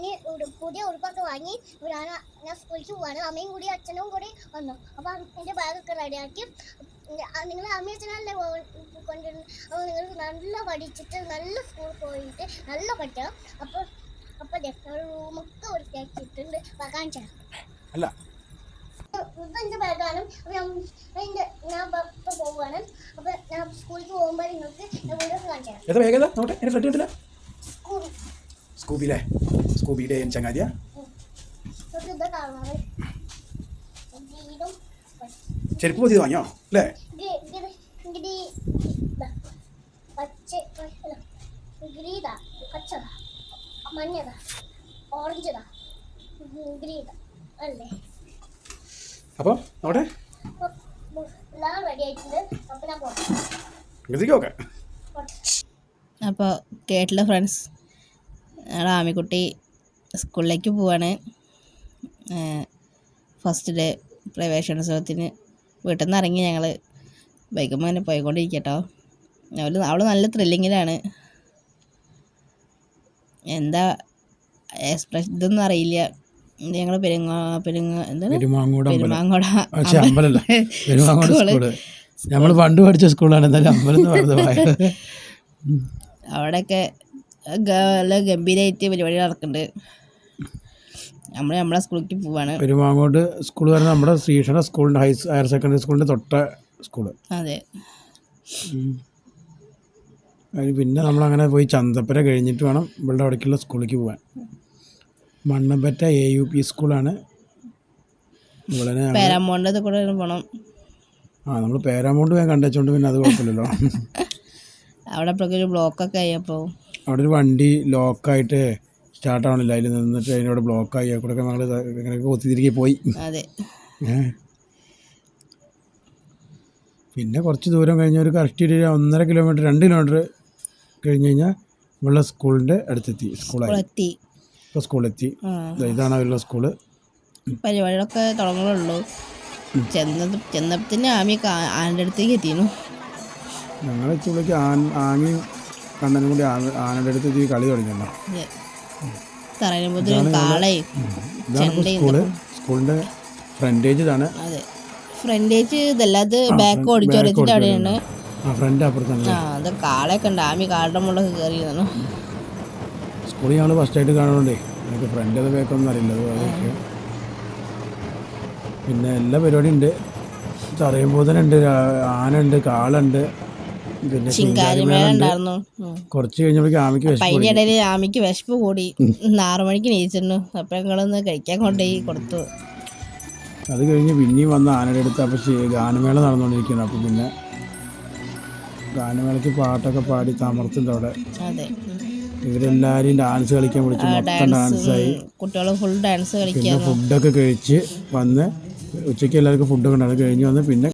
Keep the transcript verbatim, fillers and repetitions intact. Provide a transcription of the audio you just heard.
വാങ്ങി പുതിയ ഉടുപ്പൊക്കെ വാങ്ങി ഞാൻ ഞാൻ സ്കൂളിലേക്ക് പോവാണ്. അമ്മയും കൂടി അച്ഛനും കൂടി വന്നു. അപ്പോൾ എൻ്റെ ബാഗൊക്കെ റെഡിയാക്കി. നിങ്ങൾ അമ്മയും അച്ഛനല്ലേ കൊണ്ടുവരുന്നത്. അപ്പോൾ നിങ്ങൾ നല്ല പഠിച്ചിട്ട് നല്ല സ്കൂളിൽ പോയിട്ട് നല്ല പഠിക്കണം. അപ്പോൾ അപ്പോൾ റൂമൊക്കെ വൃത്തിയാക്കിയിട്ടുണ്ട്. കാണിച്ചു അല്ല ഇതെൻ്റെ ബാഗാണ്. അപ്പോൾ എൻ്റെ ഞാൻ ഇപ്പോൾ പോവുകയാണ്. അപ്പോൾ ഞാൻ സ്കൂളിലേക്ക് പോകുമ്പോൾ നിങ്ങൾക്ക് ഞാൻ വീഡിയോ കാണിച്ചു തരാം. സ്കൂബിയിലെ സ്കൂബിയുടെ ചങ്ങാതിയാ ചെരുപ്പ് പുതിയത് വാങ്ങിയോ അല്ലേ? മഞ്ഞതാ ഓറഞ്ചതാ ഗ്രീൻ അല്ലേ? അപ്പോൾ നോട്ടെ എല്ലാം റെഡി ആയിട്ടുണ്ട്. അപ്പോൾ ഞാൻ പോട്ടെ. അപ്പോൾ കേട്ടില്ല ഫ്രണ്ട്സ്, ഞങ്ങൾ ആമിക്കുട്ടി സ്കൂളിലേക്ക് പോവാണ്. ഫസ്റ്റ് ഡേ പ്രവേശനോത്സവത്തിന് വീട്ടിൽ നിന്ന് ഇറങ്ങി ഞങ്ങൾ ബൈക്കുമ്പോൾ തന്നെ പോയിക്കൊണ്ടിരിക്കട്ടോ. അവൾ അവൾ നല്ല ത്രില്ലിങ്ങിലാണ്. എന്താ എക്സ്പ്രഷൻ ഇതൊന്നും അറിയില്ല. ഞങ്ങൾ പെരുങ്ങോ പെരുങ്ങ എന്താണ് പെരുമാങ്ങോട് നമ്മൾ പണ്ട് പഠിച്ച സ്കൂളാണ്. എന്തായാലും അമ്പലം എന്ന് പറഞ്ഞത് അവിടെയൊക്കെ നല്ല ഗംഭീരമായിട്ട് പരിപാടി നടക്കുന്നുണ്ട്. നമ്മൾ നമ്മളെ സ്കൂളിലേക്ക് പോവാണ്. പെരുമാങ്ങോട് സ്കൂൾ പറഞ്ഞാൽ നമ്മുടെ ശ്രീകൃഷ്ണ സ്കൂളിൻ്റെ ഹൈ ഹയർ സെക്കൻഡറി സ്കൂളിൻ്റെ തൊട്ട സ്കൂള്. അതെ. പിന്നെ നമ്മളങ്ങനെ പോയി ചന്തപ്പര കഴിഞ്ഞിട്ട് വേണം ഇവളുടെ അവിടേക്കുള്ള സ്കൂളിലേക്ക് പോകാൻ. മണ്ണമ്പറ്റ എ യു പി സ്കൂളാണ്. പേരാമൗണ്ട് കൂടെ പോകണം. ആ നമ്മൾ പേരാമൗണ്ട് വേഗം കണ്ടുവെച്ചോണ്ട് പിന്നെ അത് കുഴപ്പമില്ലല്ലോ. അവിടെ ഒരു ബ്ലോക്കൊക്കെ ആയപ്പോൾ അവിടെ ഒരു വണ്ടി ലോക്കായിട്ട് സ്റ്റാർട്ട് ആവണില്ല. അതിൽ നിന്നിട്ട് അതിനോട് ബ്ലോക്കായി കൂടെ ഞങ്ങൾ ഇങ്ങനെയൊക്കെ ഒത്തിരികെ പോയി. അതെ. പിന്നെ കുറച്ച് ദൂരം കഴിഞ്ഞ ഒരു കറക്റ്റ് ഒരു ഒന്നര കിലോമീറ്റർ രണ്ട് കിലോമീറ്റർ കഴിഞ്ഞ് കഴിഞ്ഞാൽ ഉള്ള സ്കൂളിൻ്റെ അടുത്തെത്തി. സ്കൂളെത്തി ഇപ്പോൾ സ്കൂളെത്തി. ഇതാണ് അവരുടെ സ്കൂള്. പരിപാടികളൊക്കെ തുടങ്ങുന്നുള്ളൂ. ചെന്ന ചെന്നപ്പത്തിന് ആമി ആൻ്റെ അടുത്തേക്ക് എത്തിയിരുന്നു. ഞങ്ങൾ സ്കൂളിലേക്ക് ആൻ ആമയും കണ്ണനും കൂടി ആനയുടെ അടുത്ത് കളി തുടങ്ങിയല്ലോ. സ്കൂളിൻ്റെ ഫ്രണ്ടേജ് ഇതാണ്. അതെ, ഫ്രണ്ടേജ് ഇതല്ല, അത് ബാക്ക് ഓഡിറ്റോറിയത്തിൻ്റെ അവിടെയാണ്. ഫ്രണ്ട് അപ്പുറത്താണ്. ആ അത് കാളയൊക്കെ ഉണ്ട്. ആമി കാളുടെ മുകളിലൊക്കെ കയറിയതാണ്. സ്കൂളിൽ ഞങ്ങൾ ഫസ്റ്റായിട്ട് കാണുന്നുണ്ടേ. എനിക്ക് ഫ്രണ്ട് അത് ബാക്കൊന്നും അറിയില്ല. അതൊക്കെ പിന്നെ എല്ലാ പരിപാടിയും ഉണ്ട്. തറയുമ്പോൾ ഉണ്ട്, ആന ഉണ്ട്, കാളുണ്ട്, പിന്നെ കുറച്ച് കഴിഞ്ഞപ്പോഴേക്കും ആമിക്ക് അതിൻ്റെ ഇടയിൽ ആമിക്ക് വിശപ്പ് കൂടി. ആറു മണിക്ക് നീച്ചിരുന്നു. അപ്പം ഞങ്ങളൊന്ന് കഴിക്കാൻ കൊണ്ടുപോയി കൊടുത്തു. അത് കഴിഞ്ഞ് പിന്നെയും വന്ന് ആനയുടെ അടുത്ത് അപ്പം ഗാനമേള നടന്നുകൊണ്ടിരിക്കുകയാണ്. അപ്പം പിന്നെ ഗാനമേളയ്ക്ക് പാട്ടൊക്കെ പാടി തമർത്തുണ്ട് അവിടെ. അതെ, ഇവരെല്ലാവരും ഡാൻസ് കളിക്കാൻ വിളിച്ചു. മൊത്തം ഡാൻസായി. കുട്ടികൾ ഫുൾ ഡാൻസ് കളിക്കാൻ. പിന്നെ ഫുഡൊക്കെ കഴിച്ച് വന്ന് ഉച്ചയ്ക്ക് എല്ലാവർക്കും ഫുഡൊക്കെ ഉണ്ട്. അത് കഴിഞ്ഞ് വന്ന് പിന്നെ